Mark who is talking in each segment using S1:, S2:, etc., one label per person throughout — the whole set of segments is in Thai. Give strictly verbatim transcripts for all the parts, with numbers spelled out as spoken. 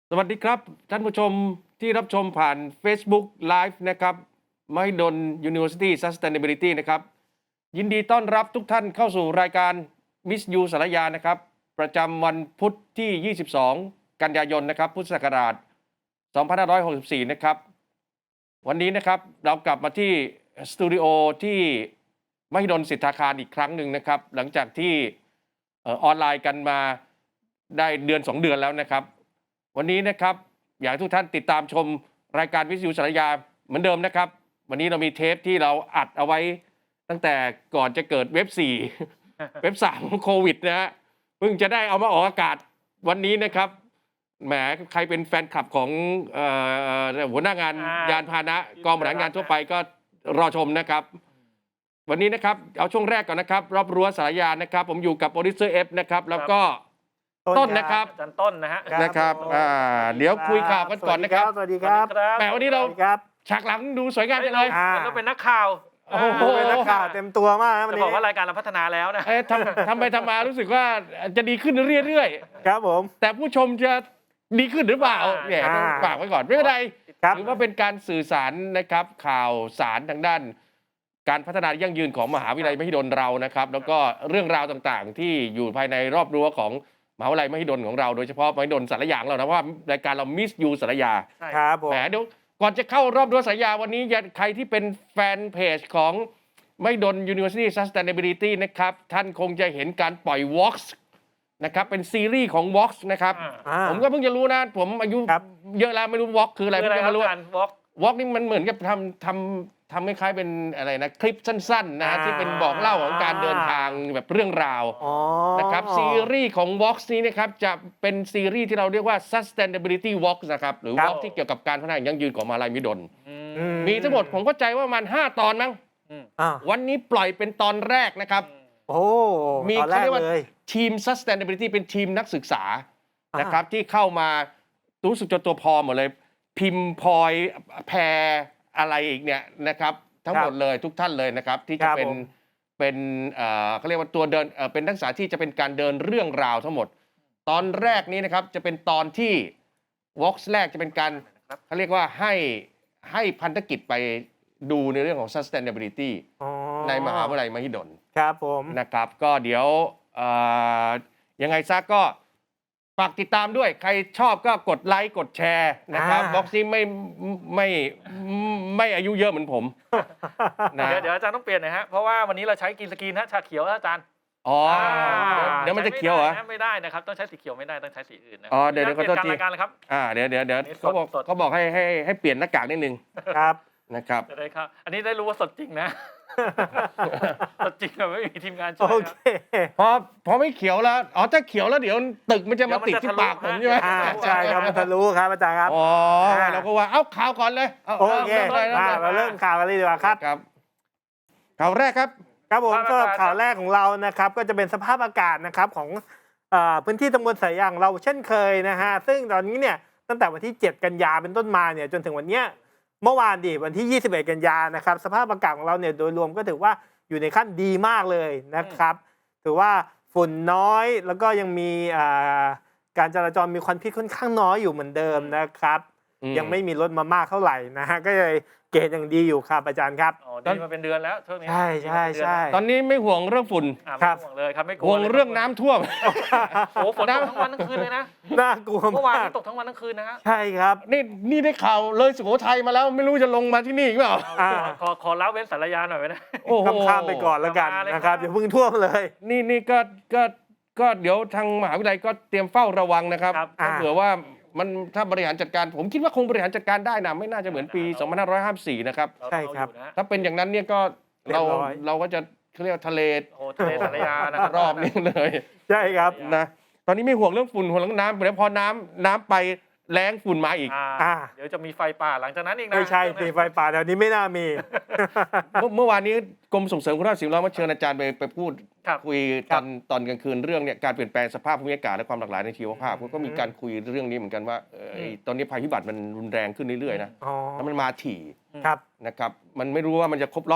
S1: สวัสดีครับท่านผู้ชมที่รับชมผ่าน Facebook Live นะครับ Mahidol University Sustainability นะครับยินดีต้อนรับทุกท่านเข้าสู่รายการ Miss You สารยานะครับประจำวันพุธที่ ยี่สิบสอง กันยายนนะครับพุทธศักราช สองพันห้าร้อยหกสิบสี่ นะครับวันนี้นะครับเรากลับมาที่สตูดิโอที่มหิดลสิทธาคารอีกครั้งหนึ่งนะครับหลังจากที่ออนไลน์กันมาได้เดือนสองเดือนแล้วนะครับวันนี้นะครับอยากให้ทุกท่านติดตามชมรายการวิทยุสารยาเหมือนเดิมนะครับวันนี้เรามีเทปที่เราอัดเอาไว้ตั้งแต่ก่อนจะเกิดเว็บสี่ เว็บสามโควิดนะฮะเพิ่งจะได้เอามาออกอากาศวันนี้นะครับแหมใครเป็นแฟนคลับของเอ่อหัวหน้างานยานพาหนะกองบริหารงานทั่วไปก็รอชมนะครับวันนี้นะครับเอาช่วงแรกก่อนนะครับรอบรั้วสารยานะครับผมอยู่กับโปรดิวเซอร์เอฟนะครับแล้วก็ต้นนะครับ
S2: อาจารย์ต้นนะฮะ
S1: นะครับอ่าเดี๋ยวคุยข่าวกันก่อนนะครับ
S3: สวัสดีครับ
S1: แหมวันนี้เราฉากหลังดูสวยงามจังเลย
S2: เราเป็นนักข่าว
S1: โอ้โห
S3: เป็นนักข่าวเต็มตัวมาก
S2: จะบอกว่ารายการเราพัฒนาแล้วนะ
S1: เอ๊ะทำทำไปทำมารู้สึกว่าจะดีขึ้นเรื่อย
S3: ๆครับผม
S1: แต่ผู้ชมจะดีขึ้นหรือเปล่าเนี่ยต้องฝากไว้ก่อนไม่เป็นไรถือว่าเป็นการสื่อสารนะครับข่าวสารทางด้านการพัฒนายั่งยืนของมหาวิทยาลัยมหิดลเรานะครับแล้วก็เรื่องราวต่างๆที่อยู่ภายในรอบรั้วของมหาวิทยาลัยมหิดลของเราโดยเฉพาะมหิดลสารยาเรานะว่ารายการเรามิสยูสารยา
S3: ครับผม
S1: แหมเดี๋ยวก่อนจะเข้ารอบรั้วสารยาวันนี้ใครที่เป็นแฟนเพจของมหิดล University Sustainability นะครับท่านคงจะเห็นการปล่อย Vox นะครับเป็นซีรีส์ของ Vox นะครับผมก็เพิ่งจะรู้นะผมอายุเยอะแล้วไม่รู้ Vox คืออะไรไม่รู้ Vox นี่มันเหมือนกับทำทำทำคล้ายๆเป็นอะไรนะคลิปสั้นๆนะที่เป็นบอกเล่าของการเดินทางแบบเรื่องราวนะครับซีรีส์ของ Vox นี้นะครับจะเป็นซีรีส์ที่เราเรียกว่า Sustainability Vox นะครับหรือ Vox ที่เกี่ยวกับการพัฒนายั่งยืนของมหาวิทยาลัยมหิดลมีทั้งหมดผมเข้าใจว่ามันห้าตอนมั้งวันนี้ปล่อยเป็นตอนแรกนะครับ
S3: โอ้
S1: มีเขาเรียกว่าทีม Sustainability เป็นทีมนักศึกษานะครับที่เข้ามารู้สึกจนตัวพอหมดเลยพิมพ์พลอยแพรอะไรอีกเนี่ยนะครับทั้งหมดเลยทุกท่านเลยนะครับที่จะเป็นเป็นเอ่อเขาเรียกว่าตัวเดินเอ่อเป็นนักศึกษาที่จะเป็นการเดินเรื่องราวทั้งหมดตอนแรกนี้นะครับจะเป็นตอนที่ Vox แรกจะเป็นการเขาเรียกว่าให้ให้พันธกิจไปดูในเรื่องของ sustainability ในมหาวิทยาลัยมหิดล
S3: ครับผม
S1: นะครับก็เดี๋ยวยังไงซะก็ฝากติดตามด้วยใครชอบก็กดไลค์กดแชร์นะครับบ็อกซี่ไม่ไม่ไม่อายุเยอะเหมือนผม
S2: นะเดี๋ยวอาจารย์ต้องเปลี่ยนนะฮะเพราะว่าวันนี้เราใช้กินสกรีนฮะชาเขียวอาจารย์
S1: อ๋อเดี๋ยวมันจะเขียวเหรอ
S2: ไม่ได้นะครับต้องใช้สีเขียวไม่ได้ต้องใช้สีอื่นนะ
S1: อ๋อเดี๋ยวเดี๋ยวเขาต้อง
S2: รายการเลยครับ
S1: อ่าเดี๋ยวเดี๋ยวเดี๋ยวเขาบอกเขาบอกให้ให้ให้เปลี่ยนหน้ากากนิดนึง
S3: ครับ
S1: นะครับ
S2: จะได้ครับอันนี้ได้รู้ว่าสดจริงนะสดจริงแบบไม่มีทีมงานช่วย
S3: โอเค
S1: พอพอไม่เขียวแล้วอ๋อถ้าเขียวแล้วเดี๋ยวตึกมันจะมาติดที่ปากผมใช่ไหม
S3: ใช่ครับมันทะลุครับอาจารย์ครับ
S1: อ๋อเราก็ว่าเอ้าข่าวก่อนเลย
S3: โอเคเราเริ่มข่าวกันเลยดีกว่าครับ
S1: ครับข่าวแรกครับ
S3: ครับผมก็ข่าวแรกของเรานะครับก็จะเป็นสภาพอากาศนะครับของพื้นที่ตำบลสายยางเราเช่นเคยนะฮะซึ่งตอนนี้เนี่ยตั้งแต่วันที่เจ็ดกันยาเป็นต้นมาเนี่ยจนถึงวันเนี้ยเมื่อวานดิวันที่ยี่สิบเอ็ดกันยานะครับสภาพอากาศของเราเนี่ยโดยรวมก็ถือว่าอยู่ในขั้นดีมากเลยนะครับถือว่าฝุ่นน้อยแล้วก็ยังมีการจราจรมีควันพิษค่อนข้างน้อยอยู่เหมือนเดิมนะครับยังไม่มีรถมามากเท่าไหร่นะฮะก็เลยเกณฑ์ยังดีอยู่ครับอาจารย์ครับ
S2: อ๋อดีมาเป็นเดือนแล้วช่วงนี้
S3: ใช่ใช่ใช่
S1: ตอนนี้ไม่ห่วงเรื่องฝุ่น
S2: ครับห่วงเลยครับไม่กลัว
S1: ห่วงเรื่องน้ำท่วม
S2: โอ้ฝนตกทั้งวันทั้งคืนเลยนะ
S3: น่ากลัว
S2: เมื่อวานตกทั้งวันทั้งคืนนะฮะ
S3: ใช่ครับ
S1: นี่นี่ได้ข่าวเลยสุโขทัยมาแล้วไม่รู้จะลงมาที่นี่หรือเปล่า
S2: ขอขอเล่าเว้นสารยาหน่อยไหมนะ
S3: โอ้ข้ามไปก่อนแล้วกันนะครับอย่าเพิ่งท่วมเลย
S1: นี่นี่ก็ก็ก็เดี๋ยวทางมหาวิทยาลัยก็เตรียมเฝ้าระวังนะครับเผื่อว่ามันถ้าบริหารจัดการผมคิดว่าคงบริหารจัดการได้นะไม่น่าจะเหมือนปีสองพันห้าร้อยห้าสิบสี่นะครับ
S3: ใช่ครับ
S1: ถ้าเป็นอย่างนั้นเนี่ยก็เราเราก็จะเรียกว่าทะเล
S2: โอ้ทะเลสารยานะครับ
S1: รอบนี้เลย
S3: ใช่ครับ
S1: นะตอนนี้ไม่ห่วงเรื่องฝุ่นห่วงเรื่องน้ำแต่พอน้ำน้ำไปแรงฝุ่นมาอีก
S2: เดี๋ยวจะมีไฟป่าหลังจากนั้นอีกนะ
S3: ไม่ใช่มีไฟป่าแถวนี้ไม่น่ามี
S1: เมื่อวานนี้กรมส่งเสริมคุณภาพสิ่งแวดล้อมเชิญอาจารย์ไปไปพูดคุยตอนตอนกลางคืนเรื่องเนี่ยการเปลี่ยนแปลงสภาพภูมิอากาศและความหลากหลายในชีวภาพก็มีการคุยเรื่องนี้เหมือนกันว่าตอนนี้ภัยพิบัติมันรุนแรงขึ้นเรื่อยๆนะแล้วมันมาถี่นะครับมันไม่รู้ว่ามันจะครบรอบ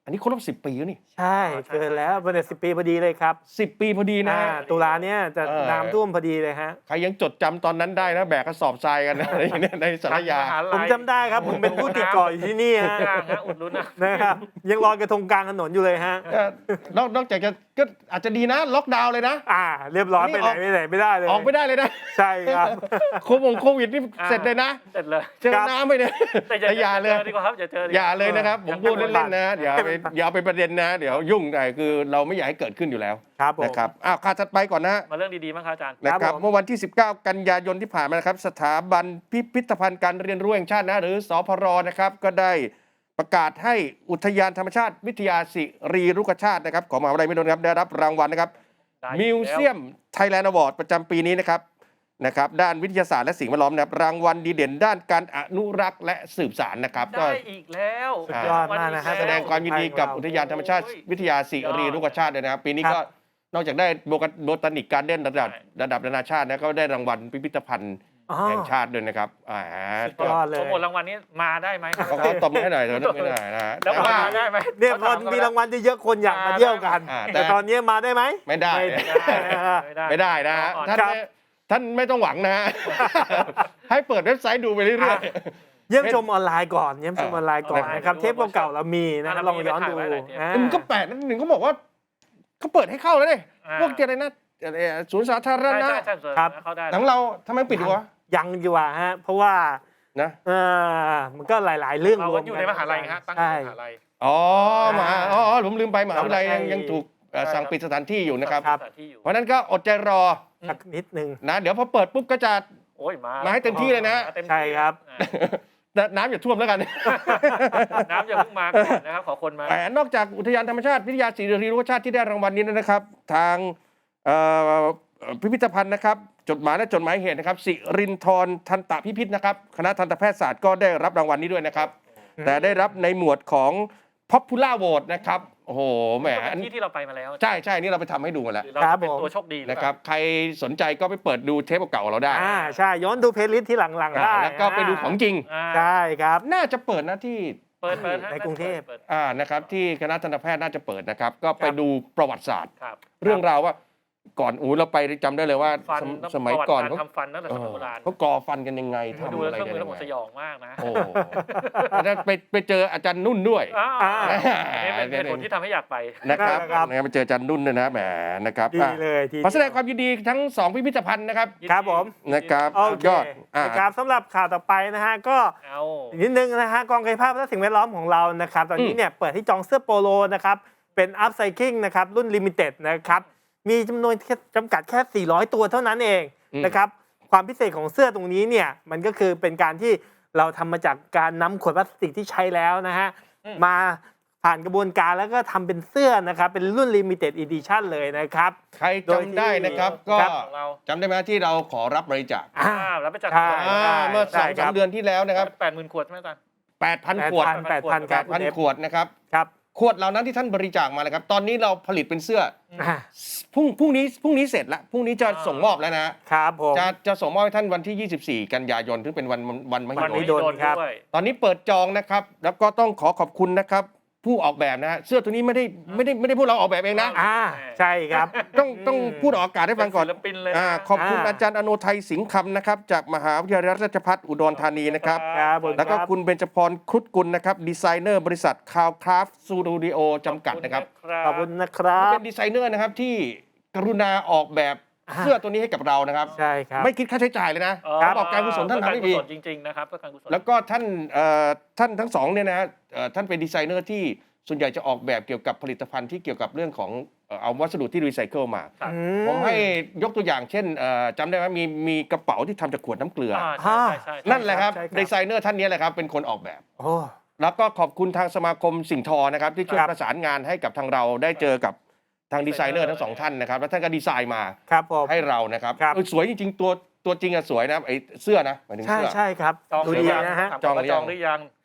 S1: อันนี้ครบรอบสิบปีแล้วนี่
S3: ใช่เกินแล้วเป็นสิบปีพอดีเลยครับ
S1: สิบปีพอดีนะ
S3: อ่าตุลาเนี้ยจะ
S1: เออ
S3: น้ำท่วมพอดีเลยฮะ
S1: ใครยังจดจำตอนนั้นได้นะแบกกระสอบทรายกันนะ ในในสารยา
S3: ผมจำได้ครับ ผมเป็นผู้ติดเก่ออยู่ที่นี่ฮะ
S2: ย่างฮะอุดหนุนนะ
S3: นะครับยังลอยกระทงกลางถนนอยู่เลยฮะ
S1: ก็นอกนอกจากจะก็อาจจะดีนะ ล็อกดาวน์เลยนะ
S3: อ่า เรียบร้อย
S1: นี่
S3: ไปไหน
S1: ออก
S3: ไม่ไหนไม่ได้เลย
S1: ออกไม่ได้เลยนะ
S3: ใช่ครับ
S1: โควิดโควิดนี่เสร็จเลยนะ
S2: เสร็จเลย
S1: เจอน้ำไปเนี่ย
S2: แต่
S1: แต่อย่าเลย
S2: เจอดีกว่าครับอย่าเจอดีก
S1: อย่า
S2: ว่า
S1: เลยนะครับ ผมพูด
S3: อย่า
S1: เล่นๆนะอย่าไป
S3: ให้มัน
S1: อย่าไปประเด็นนะ เดี๋ยวยุ่งแต่คือเราไม่อยากให้เกิดขึ้นอยู่แล้ว
S3: ครับผม
S1: นะครับอ้าวข่าวถัดไปก่อนนะ
S2: มาเรื่องดีๆมั้งครับอาจารย์
S1: นะค
S3: ครั
S1: รับบ
S3: ผม
S1: เมื่อวันที่ สิบเก้า กันยายนที่ผ่านมานะครับสถาบันพิพิธภัณฑ์การเรียนรู้แห่งชาตินะหรือสพรนะครับก็ได้ประกาศให้อุทยานธรรมชาติวิทยาสิริรุกชาตินะครับของมหาวิทยาลัยมหิดลครับได้รับรางวัลนะครับ
S2: ได้
S1: มิวเซียมไทยแลนด์อวอร์ดประจำปีนี้นะครับนะครับด้านวิทยาศาสตร์และสิ่งแวดล้อมนะครับรางวัลดีเด่นด้านการอนุรักษ์และสืบสานนะครับก็
S2: ได้อีกแล้ว
S3: สุดยอดมากนะฮะ
S1: แสดงความยินดีกับอุทยานธรรมชาติวิทยาสิริรุกชาติด้วยนะครับปีนี้ก็นอกจากได้โบตานิกการ์เด้นระดับระดับนานาชาตินะก็ได้รางวัลพิพิธภัณฑ์
S3: อ๋อ
S1: แห่งชาติด้วยนะครับอ่า
S3: สุดยอดเลย
S2: โปรโมทรางวัลนี้มาได้ไหม
S1: เขาก็ตบมือให้หน่อยเถอะไม่ได้นะฮะ
S2: แล้ว
S1: แต่
S2: มา
S1: ว่า
S2: ได้ไหม
S3: เนี่ยพอมีรางวัลเยอะๆคนอยากมาเที่ยวกัน
S1: อ่าแต่
S3: แต่ตอนนี้มาได้ไหม
S1: ไม่ได้
S3: ไม่ได้นะฮะ
S1: ไม่ได้นะฮะท่าน
S3: ครับ
S1: ไม่ท่านไม่ต้องหวังนะฮะ ให้เปิดเว็บไซต์ดูไปเรื่อย
S3: เยี่ยมชมออนไลน์ก่อนเยี่ยมชมออนไลน์ก่อน
S1: เออ
S3: นะครับเทปเก่าๆเรามีนะครับลองย้อนดูอ่า
S1: ๆมันก็แปลกนะหนึ่งเขาบอกว่าเขาเปิดให้เข้าแล้วเนี่ย
S2: อ่า
S1: พวกเจอะไรนะเอ่อศูนย์สาธาร
S2: ใช่
S1: ณะ
S2: ใช่ใช่ส่วน
S3: ครับ
S2: เข้าได้
S1: ของเราทำไมปิดอยู่วะ
S3: ยังดีกว่าฮะเพราะว่า
S1: นะ
S3: เออมันก็หลาย ๆ เรื่อง
S2: เรา
S3: รว
S2: ก็
S3: ม
S2: อยู่ในมหาลัยฮะตั้งอ
S3: ใช่
S2: ยู่ในมหาลัย
S1: อ๋อมหาอ๋ออ๋อผมลืมไปมหาวิทยาลัยยัง
S3: ใช่
S1: ยังถูกเอ่อ
S2: ใช่
S1: สั่ง
S2: ครับ
S1: ปิดสถานที่อยู่นะครับ
S3: ครับ
S2: สถานที่อยู่
S1: เพราะฉะนั้นก็อดใจรอ
S3: สักนิดนึง
S1: นะเดี๋ยวพอเปิดปุ๊บก็จะ
S2: โอ้ยมา
S1: มาให้เต็มที่เลยนะ
S2: มาเต็มที่
S3: ใช่ครับ
S2: อ่า
S1: น้ำอย่าท่วมแล้วกัน
S2: น้ำอย่าเพิ่งมาก่อนนะครับขอคนมา
S1: แต่นอกจากอุทยานธรรมชาติวิทยาศิริรุกชาติที่ได้รางวัลนี้นะครับ ทางเอ่อพิพิธภัณฑ์นะครับจดหมายและจดหมายเหตุนะครับสิรินทรทันตพิพิธนะครับคณะทันตแพทยศาสตร์ก็ได้รับรางวัลนี้ด้วยนะครับ
S3: อืม
S1: แต่ได้รับในหมวดของ Popular Vote นะครับโอ้โหแหม
S2: ก็เป็นที่ที่เราไปมาแล้ว
S1: ใช่ใช่นี่เราไปทำให้ดูมาแล้ว
S2: หรือเรา
S3: ครั
S2: จะ
S3: บ
S2: เป็น
S3: ผม
S2: ตัวโชคดีหอ
S1: นะ
S2: เปล่า
S1: ครับใครสนใจก็ไปเปิดดูเทปเก่าๆเราได้
S3: อ่าใช่ย้อนดูเพลย์ลิสต์ที่หลังๆได้
S1: แล้วก็ไปดูของจริง
S2: อ่า
S3: ใช่ครับ
S1: น่าจะเปิดนะที่
S2: เปิดเปิดฮะ
S3: ในกรุงเทพ
S2: ปิด
S1: อ่านะครับที่คณะทันตแพทย์น่าจะเปิดนะครับ ก็ไปดูประวัติศาสตร์
S2: ครับ
S1: เรื่องราวว่าก่อนอูเราไปจำได้เลยว่า
S2: ฟัน
S1: สมสมัยก่อน
S2: ประวั
S1: เขา
S2: ติารทำฟันตั้งแต่
S1: เอ
S2: สมัย
S1: อ
S2: โบราณ
S1: เขาก่อฟันกันยังไง
S2: ดู
S1: ทำ
S2: แล้
S1: อะ
S2: ว
S1: ไร
S2: เครื่อง
S1: กัน
S2: มือแล้ว
S1: ยัง
S2: ผมส
S1: ไง
S2: ยองมากนะ
S1: โอ้โหแล้วไปไปเจออาจารย์นุ่นด้วย
S2: อ้าว
S3: อ่า
S2: อันนี้เป็นเหตุผลที่ทำให้อยากไป
S1: นะครับ
S3: ครับ
S1: นะครับไปเจออาจารย์นุ่นด้วยนะแหมนะครับ
S3: ดี
S1: อ่ะ
S3: เลยทีเดียว
S1: ขอแสดงความยินดีทั้งสองพิพิธภัณฑ์นะครับ
S3: ครับผม
S1: นะครับ
S3: โอเค
S1: ยอดอ่า
S3: นะครับสำหรับข่าวต่อไปนะฮะก็
S2: เอา
S3: อีกนิดนึงนะฮะกองกายภาพและสิ่งแวดล้อมของเรานะครับตอนนี้เนี่ยเปิดให้จองเสื้อโปโลนะครับเป็นอัพไซคลิงนะครับรุ่นลิมิเต็ดนะครับมีจำนวนจำกัดแค่สี่ร้อยตัวเท่านั้นเอง
S1: อืม
S3: นะครับความพิเศษของเสื้อตรงนี้เนี่ยมันก็คือเป็นการที่เราทำมาจากการนำขวดพลาสติกที่ใช้แล้วนะฮะมาผ่านกระบวนการแล้วก็ทำเป็นเสื้อนะครับเป็นรุ่นลิมิเต็ดอีดิชั่นเลยนะครับ
S1: ใครจำได้นะครับก็
S3: ครับ
S2: ของเรา
S1: จำได้ไหมที่เราขอรับบริจาค
S3: อ่า
S2: อ้าวแล้วไปจัด
S3: ใช่
S1: อ่าเมื่อส
S3: ใช่
S1: อง
S3: ครั
S1: สาม
S3: บ
S1: เดือนที่แล้วนะครับ
S2: แปดหมื่นขวดใช่ไหมอาจารย์
S1: แปดพันขวด
S3: แปดพัน
S2: แปด
S3: ครับ
S1: พันขวดนะครับ
S3: ครับ
S1: ขวดเหล่านั้นที่ท่านบริจาคมาเลยครับ ตอนนี้เราผลิตเป็นเสื้อ
S3: อ่า
S1: พรุ่งพรุ่งนี้พรุ่งนี้เสร็จละพรุ่งนี้จะส่งมอบแล้วนะ
S3: ครับผม
S1: จะจะส่งมอบให้ท่านวันที่ ยี่สิบสี่ กันยายนซึ่งเป็นวันวันมหิ
S3: วัน
S1: ด
S3: มหิ
S1: ล
S3: ดล ครับ
S2: ด้วย
S1: ตอนนี้เปิดจองนะครับ แล้วก็ต้องขอขอบคุณนะครับ ผู้ออกแบบนะฮะเสื้อตัวนี้ไม่ได้ไม่ได้ไม่ได้พวกเราออกแบบเองนะ
S3: อ่าใช่ครับ
S1: ต้องต้องพูดออกอากาศให้ฟังก่อน
S2: เป็นศิลปินเลยนะ
S1: อ่าขอบคุณ
S3: อ่า
S1: อาจารย์อโนไทยสิงห์คำนะครับจากมหาวิทยาลัยราชภัฏอุดรธานีนะครับ
S3: ครับผม
S1: แล้วก็
S3: ครับ
S1: คุณเบญจพรครุฑกุลนะครับดีไซเนอร์บริษัทคาวคราฟสตูดิโอจำกัดนะครับ
S3: ขอบคุณนะครับ
S1: เป็นดีไซเนอร์นะครับที่กรุณาออกแบบ
S3: อ่า
S1: เสื้อตัวนี้ให้กับเรานะครับ
S3: ใช่ครับ
S1: ไม่คิดค่าใช้จ่ายเลยนะ
S2: อ๋อ
S1: เขาบอกการกุศลท่านทำให้ดี
S2: เพื่อการกุศลจริงๆนะครับเพื่อการกุศล
S1: แล้วก็ท่านเอ่อท่านทั้งสองเนี่ยนะฮะเอ่อท่านเป็นดีไซเนอร์ที่ส่วนใหญ่จะออกแบบเกี่ยวกับผลิตภัณฑ์ที่เกี่ยวกับเรื่องของเอ่อเอาวัสดุที่รีไซเคิลมา
S2: ครับ
S3: อื
S1: ผมให้ยกตัวอย่างเช่นเอ่อจำได้ไหมมีมีกระเป๋าที่ทำจากขวดน้ำเกลือ
S2: อ่าใช่ใช่ใช่
S1: นั่นแหละครับ
S3: ใช่ครับ
S1: ดีไซเนอร์ท่านนี้แหละครับเป็นคนออกแบบ
S3: โอ้
S1: แล้วก็ขอบคุณทางสมาคมสิ่งทอนะครับที่ช่วย
S3: ครับ
S1: ประสานงานให้กับทางเราได้เจอกับทางดีไซเนอร์ทั้งสองท่านนะครับแล้วท่านก็ดีไซน์มา
S3: ครับผม
S1: ให้เรานะครับ
S3: ครับ
S1: เออสวยจริงๆตัวตัวจริงอะสวยนะไอ้เสื้อนะหมายถึง
S3: ใช่
S1: เสื้อ
S3: ใช่ครับ
S2: จอง
S3: ดู
S2: หรื
S3: ดี
S2: อยัง
S3: นะฮะ
S2: ถาม
S1: จอง
S2: ว่า
S1: หรือยัง
S2: จองหรือยัง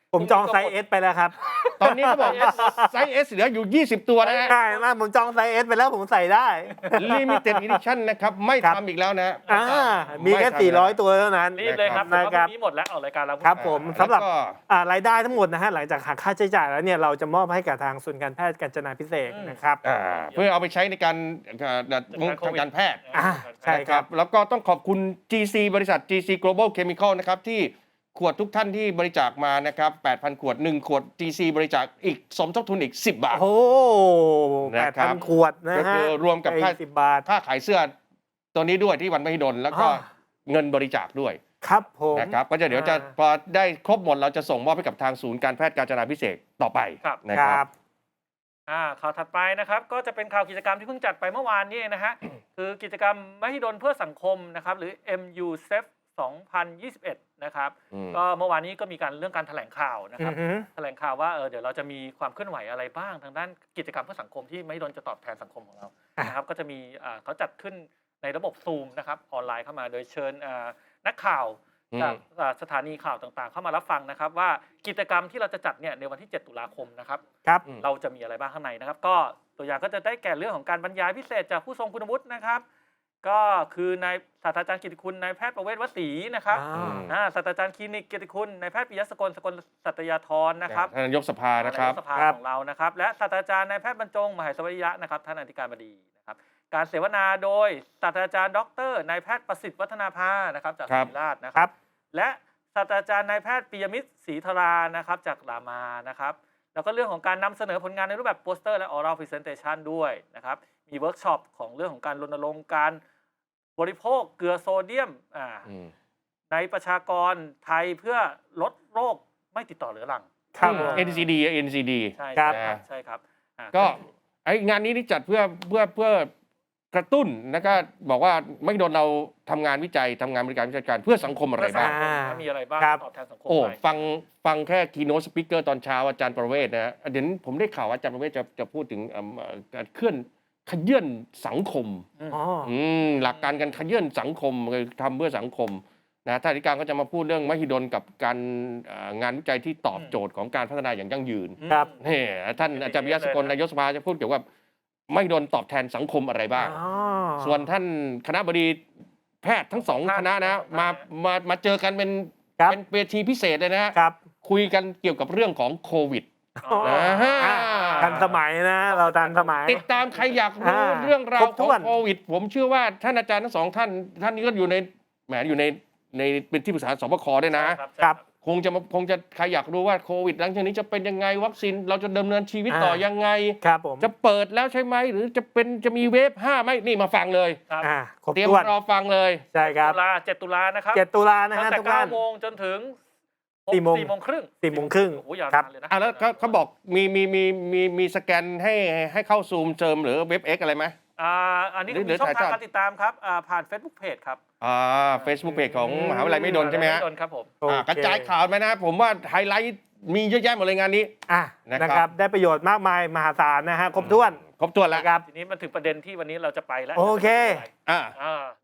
S3: ผมจองไซส์ S ไปแล้วครับ
S1: ตอนนี้เขาบอกไซส์ S เหลืออยู่ ยี่สิบ ตัวนะฮะ
S3: ใช่มากผมจองไซส์ S ไปแล้วผมใส่ได้
S1: Limited Edition นะครับ ไม่
S3: ครับ
S1: ทำอีกแล้วนะ
S3: อ่ามีแค่
S1: ไม่ทำ
S3: สี่ร้อย ตัวเท่านั้น
S2: รีบเลยครับ
S3: นะ
S2: เพราะ
S3: ครั
S2: ว่า
S3: บ
S2: พรุ่งนี้หมดแล้วออกรายการเรา
S3: ครับผม
S1: อ่า
S3: สำหรับ
S1: แล้วก็
S3: อ่ารายได้ทั้งหมดนะฮะหลังจากหักค่าใช้จ่ายแล้วเนี่ยเราจะมอบให้กับทางศูนย์การแพทย์กาญจนาพิเศษกนะครับ
S1: อ่าเพื่อเอาไปใช้ในการเอ่อทางการแพทย์
S3: อ่าใช่ครับ
S1: นะแล้วก็ต้องขอบคุณ จี ซี บริษัท จี ซี Global Chemical นะครับที่ขวดทุกท่านที่บริจาคมานะครับ แปดพัน ขวด หนึ่ง ขวด จี ซี บริจาคอีกสมทบทุนอีก สิบ บาท
S3: โอ้แป
S1: นะ
S3: ด
S1: ครั
S3: พั
S1: บ
S3: นขวดนะ
S1: ก็
S3: ฮะ
S1: คือรวมกับค่า
S3: สิบบาท
S1: ค่าขายเสื้อตัวนี้ด้วยที่วันมหิดลแล้วก็
S3: อ่า
S1: เงินบริจาคด้วย
S3: ครับผม
S1: นะครับก็จะเดี๋ยวจะ
S3: อ่า
S1: พอได้ครบหมดเราจะส่งมอบให้กับทางศูนย์การแพทย์กาญจนาพิเศษกต่อไป
S2: ครับ
S1: นะ
S3: ค
S1: ค
S3: รั
S1: รับ
S3: บ
S2: อ่าข่าวถัดไปนะครับก็จะเป็นข่าวกิจกรรมที่เพิ่งจัดไปเมื่อวานนี้เองนะฮะ คือกิจกรรมมหิดลเพื่อสังคมนะครับหรือ เอ็ม ยู เซฟ สองพันยี่สิบเอ็ด นะครับ
S1: อืม
S2: ก็เมื่อวานนี้ก็มีการเรื่องการแถลงข่าวนะค
S3: อื
S2: รับ
S3: อฮึ
S2: แถลงข่าวว่าเออเดี๋ยวเราจะมีความเคลื่อนไหวอะไรบ้างทางด้านกิจกรรมเพื่อสังคมที่มหิดลจะตอบแทนสังคมของเรา
S3: อ่ะ
S2: นะครับก็จะมีอ่าเขาจัดขึ้นในระบบซูมนะครับออนไลน์เข้ามาโดยเชิญอ่านักข่าว
S1: อืม
S2: จากอ่าสถานีข่าวต่างๆ เข้ามารับฟังนะครับว่ากิจกรรมที่เราจะจัดเนี่ยในวันที่ เจ็ด ตุลาคมนะครับ
S3: ครับ
S2: เราจะมีอะไรบ้างข้างในนะครับ ก็ตัวอย่างก็จะได้แก่เรื่องของการบรรยายพิเศษจากผู้ทรงคุณวุฒินะครับ ก็คือนายศาสตราจารย์กิตติคุณนายแพทย์ประเวศวสีนะครับ
S3: อ่า
S2: อ่าศาสตราจารย์คลินิกกิตติคุณนายแพทย์ปิยะสกลสกลสัตยาธรนะครับ
S1: ท่านนายกสภานะครับ
S2: นายกสภา
S3: ครับ
S2: ของเรานะครับ และศาสตราจารย์นายแพทย์บรรจงมหาสวัสดิยะนะครับท่านอธิการบดีนะครับ การเสวนาโดยศาสตราจารย์ดรนายแพทย์ประสิทธิ์วัฒนาภานะครับจาก
S1: ครั
S2: ศิ
S1: บ
S2: ริราชนะค
S3: ครั
S2: รับ บ และศาสตราจารย์นายแพทย์ปิยมิตรศรีธรานะครับจากรามานะครับ แล้วก็เรื่องของการนำเสนอผลงานในรูปแบบโปสเตอร์และ oral presentation ด้วยนะครับ มีเวิร์กช็อปของเรื่องของการรณรงค์การบริโภคเกลือโซเดียมอ่า
S1: อืม
S2: ในประชากรไทยเพื่อลดโรคไม่ติดต่อเรื้อรัง
S3: ครับผม
S1: เอ็น ซี ดี เอ็น ซี ดี
S2: ใช่
S3: ครับ
S2: ครับใช่ครับอ่า
S1: ก็ไองานนี้นี่จัดเพื่อเพื่อเพื่อกระตุ้นแล้วก็บอกว่าไม่โดนเราทำงานวิจัยทำงานบริการวิชาการเพื่อสังคมอะไรบ้าง
S3: อ่า
S2: มีอะไรบ้าง
S3: ครับ
S2: ตอบแทนสังคม
S1: โอ้
S2: ไป
S1: ฟังฟังแค่คีโนสปิเกอร์ตอนเช้าอาจารย์ประเวศนะฮะเดี๋ยวนี้ผมได้ข่าวว่าอาจารย์ประเวศจะจะพูดถึงเอิ่มเอ่อการเคลื่อนขยื่นสังคม
S3: อ๋อ
S1: อืมหลักการการขยื่นสังคมคือทำเพื่อสังคมนะท่านอธิการก็จะมาพูดเรื่องมหิดลกับการเอ่องานวิจัยที่ตอบโจทย์ของการพัฒนาอย่างยั่งยืน
S3: ครับ
S1: นี่ท่านอาจารย์วิยะสกลนายกสภาจะพูดเกี่ยวกับมหิดลตอบแทนสังคมอะไรบ้าง
S3: อ๋อ
S1: ส่วนท่านคณะบดีแพทย์ทั้งสองคณะนะมามามาเจอกันเป็น
S3: ครับ
S1: เป็นเวทีพิเศษเลยนะฮะ
S3: ครับ
S1: คุยกันเกี่ยวกับเรื่องของโควิด
S2: อ๋อ
S1: นะฮะ
S3: อ่าทันสมัยนะ เราทันสมัย
S1: ติดตามใครอยากรู้
S3: อ่า
S1: เรื่องรา
S3: คร
S1: ว
S3: บ
S1: ข
S3: ถ้
S1: อง
S3: วน
S1: โควิด ผมเชื่อว่าท่านอาจารย์ทั้งสองท่าน ท่านนี้ก็อยู่ในแหมอยู่ในในเป็นที่ปรึกษาสบคด้วยนะ
S2: ครับ
S3: ครับ
S1: คงจะมาคงจะใครอยากรู้ว่าโควิดหลังจากนี้จะเป็นยังไงวัคซีนเราจะดำเนินชีวิตต่อ
S3: อ่ายั
S1: ยังไง
S3: ครับผม
S1: จะเปิดแล้วใช่ไหมหรือจะเป็นจะมีเวฟห้าไหมนี่มาฟังเลย
S2: ครับ
S3: อ่าครบ
S1: เตรียม
S3: ถ้วน
S1: รอฟังเลย
S3: ใช่ครับ
S2: ตุลาเจ็ดตุลานะครับ
S3: เจ็ดตุลานะ
S2: ตั้
S3: ฮะ
S2: งแต่
S3: ทุก
S2: เก้า
S3: ท่าน
S2: โมงจนถึง
S3: สี่โมง
S2: สี่โมงครึ่ง
S3: สี่โมงครึ่ง
S2: โอ้โหยาว
S3: ครับ
S2: นานเลยนะ
S1: อ่ะแล้วเขาเขาบอกมีมีมีมีมีสแกนให้ให้เข้าซูมเจิมหรือเว็บเอ็กอะไรไหม
S2: อ่าอันนี้
S1: หรือ
S2: ก็มีช่อง
S1: หรือ
S2: ทาง
S1: ถ่ายทอด
S2: การติดตามครับอ่าผ่าน Facebook Page ครับ
S1: อ่าเฟซบุ๊กเพจของมหาวิทยาลัยไม่ดนใช่ไหมฮะ
S2: ไม่โดนครับผม
S3: โอ
S1: อ่า
S3: เค
S1: กระจายข่าวไหมนะ ผมว่าไฮไลท์มีเยอะแยะหมดเลยงานนี้
S3: อ่ะ
S1: นะครับ
S3: นะครับ ได้ประโยชน์มากมายมหาศาลนะฮะ ครบถ้วน
S1: ครบถ้วนแล้ว
S3: นะครับ
S2: ทีนี้มันถึงประเด็นที่วันนี้เราจะไปแล้ว
S3: โอเค
S1: อ่า
S2: อ่า